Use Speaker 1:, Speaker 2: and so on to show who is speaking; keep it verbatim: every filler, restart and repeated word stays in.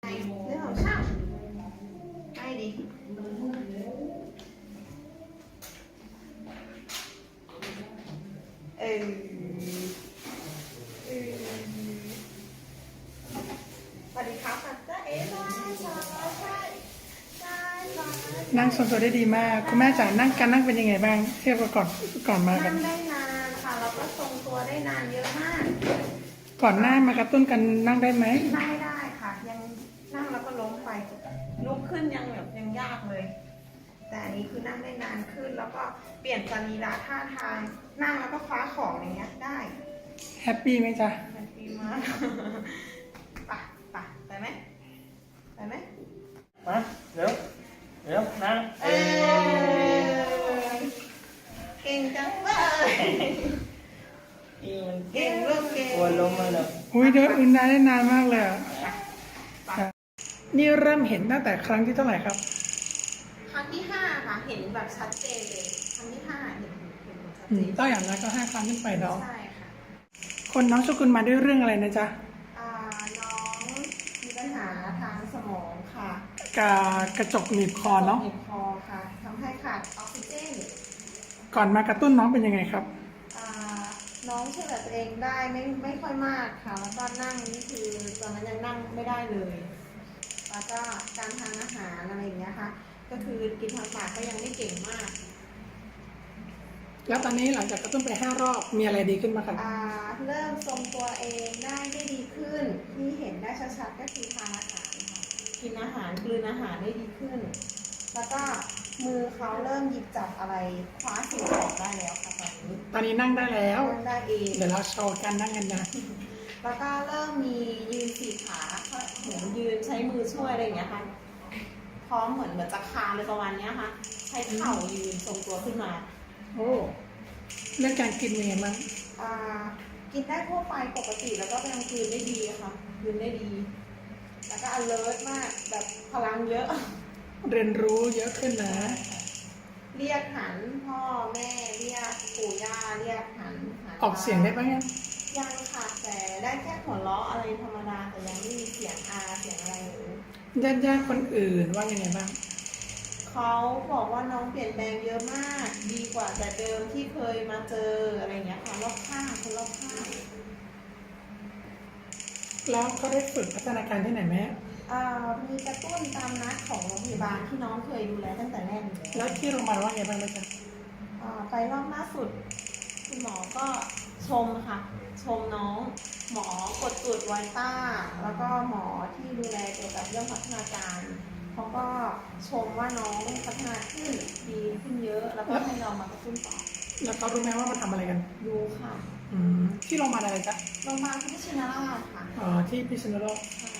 Speaker 1: เรื่องของช่างไปดิเออเออสวัสดีครับจ้าเอ๋ใช่ใช่ใช่ใช่
Speaker 2: นั่งทรงตัวได้ดีมากคุณแม่จ๋านั่งการนั่งเป็นยังไงบ้างเทียบกับก่อนก่อนมากั
Speaker 1: นั่
Speaker 2: น
Speaker 1: งได้นานค่ะแล้วก็ทรงตัวได้นานเยอะมาก
Speaker 2: ก่อนหน้ามากระตุ้นกันนั่งได้ไหม
Speaker 1: นั่งไม่ได้ค่ะยังนั่งแล้วก็ล้มไปลุกขึ้นยังแบบยังยากเลย แต่อันนี้คือนั่งได้นานขึ้นแล้วก็เปลี่ยนสรีระท่าทางนั่งแล้วก็คว้าของอย่างเงี้ยได้
Speaker 2: แฮปปี้ไหมจ๊ะ
Speaker 1: แฮปปี้มากไปไปไปไหมไปไหม
Speaker 3: มาเร็วเร็วนั่ง
Speaker 1: เออเก่งจังเลย
Speaker 3: อีมัน
Speaker 1: เก่งลูกเก่ง
Speaker 3: กลัวล้มมาเลย
Speaker 2: อุ้ยเดินอื่นได้นานมากเลยอ่ะนี่เริ่มเห็นตั้งแต่ครั้งที่เท่าไหร่ครับ
Speaker 1: ครั้งที่ห้าค่ะเห็นแบบชัดเจนเลยครั้งที่ห้าเห็นเห็นชัด
Speaker 2: อื
Speaker 1: เจ
Speaker 2: ม
Speaker 1: น
Speaker 2: ต้องอย่างนั้นก็ห้าครั้งขึ้นไปเนาะ
Speaker 1: ใช่ค่ะ
Speaker 2: คนน้องโชกุนมาด้วยเรื่องอะไรนะจ๊ะ
Speaker 1: อ่าน้องมีปัญหาทางสมองค่ะ
Speaker 2: กากระจกหนีบคอเนาะ
Speaker 1: เจ็บคอค่ะทำให้ขาดออกซิเจน
Speaker 2: ก่อนมากระตุ้นน้องเป็นยังไงครับ
Speaker 1: อ่าน้องช่วยเหลือตัวเองได้ไม่ไม่ค่อยมากค่ะ แล้วก็นั่งนี่คือตอนนั้นยังนั่งไม่ได้เลย แล้วก็การทานอาหารอะไรอย่างเงี้ยค่ะ ก็คือกินทางปากก็ยังไม่เก่งมาก
Speaker 2: แล้วตอนนี้หลังจากกระตุ้นไปห้ารอบมีอะไรดีขึ้นบ้างครับ
Speaker 1: อ่าเริ่มทรงตัวเองได้ได้ดีขึ้น ที่เห็นได้ชัดๆก็คือทานอาหารค่ะกินอาหารกลืนอาหารได้ดีขึ้น แล้วก็มือเขาเริ่มหยิบจับอะไรคว้าสิ่งของได้แล้วค่ะตอนนี้
Speaker 2: ตอนนี้นั่งได้แล้ว
Speaker 1: นั่งได้เอง
Speaker 2: เดี๋ยวเราโชว์การนั่งกันนะ
Speaker 1: แล้วก็เริ่มมียืนสี่ขาเหมือนยืนใช้มือช่วยอะไรอย่างเงี้ยค่ะ พร้อมเหมือนเหมือนจะคานเลยประมาณเนี้ยค่ะ ใช้เข่ายืนทรงตัวขึ้นมา
Speaker 2: โอ้เรื่องการกินเป็นยังไงบ้าง
Speaker 1: อ่ากินได้ทั่วไปปกติแล้วก็ยังคืนได้ดีค่ะคืนได้ดี แล้วก็ alert มากแบบพลังเยอะ
Speaker 2: เรียนรู้เยอะขึ้นนะ
Speaker 1: เรียกหันพ่อแม่เรียกปู่ย่าเรียกหันหัน
Speaker 2: ออกเสียงได้บ้างยัง
Speaker 1: ยังค่ะแต่ได้แค่หัวเราะอะไรธรรมดาแต่ยังไม่มีเสียงอาเสียงอะไรเลย
Speaker 2: ญาติญาติๆคนอื่นว่ายังไงบ้าง
Speaker 1: เขาบอกว่าน้องเปลี่ยนแปลงเยอะมาก ดีกว่าแต่เดิมที่เคยมาเจออะไรอย่างเงี้ยค่ะรอบข้างคนรอบข้าง
Speaker 2: แล้วเขาได้ฝึกพัฒนาการที่ไหนไหม
Speaker 1: อ่ามีกระตุ้นตามนัดของโรงพยาบาลที่น้องเคยดูแลตั้งแต่แรกอยู่
Speaker 2: แล้
Speaker 1: แล้ว
Speaker 2: วที่โรงพยาบาลว่าไงบ้างไหมจ๊ะ
Speaker 1: อ่าไปรอบล่าสุดคุณหมอก็ชมค่ะ ชมน้องหมอกดตรวจไวต้า แล้วก็หมอที่ดูแลเกี่ยวกับเรื่องพัฒนาการเขาก็ชมว่าน้องพัฒนาขึ้นดีขึ้นเยอะ แล้วก็ให้เรามากระตุ้นต่อ
Speaker 2: แล้วเขารู้ไหมว่ามันทำอะไรกัน
Speaker 1: รู้ค่ะ
Speaker 2: อืมที่โรงพยาบาลอะไรจ๊ะ
Speaker 1: โรงพยาบาลพุทธชินราชค่ะ
Speaker 2: อ๋อที่พิษณุโลก
Speaker 1: ใช่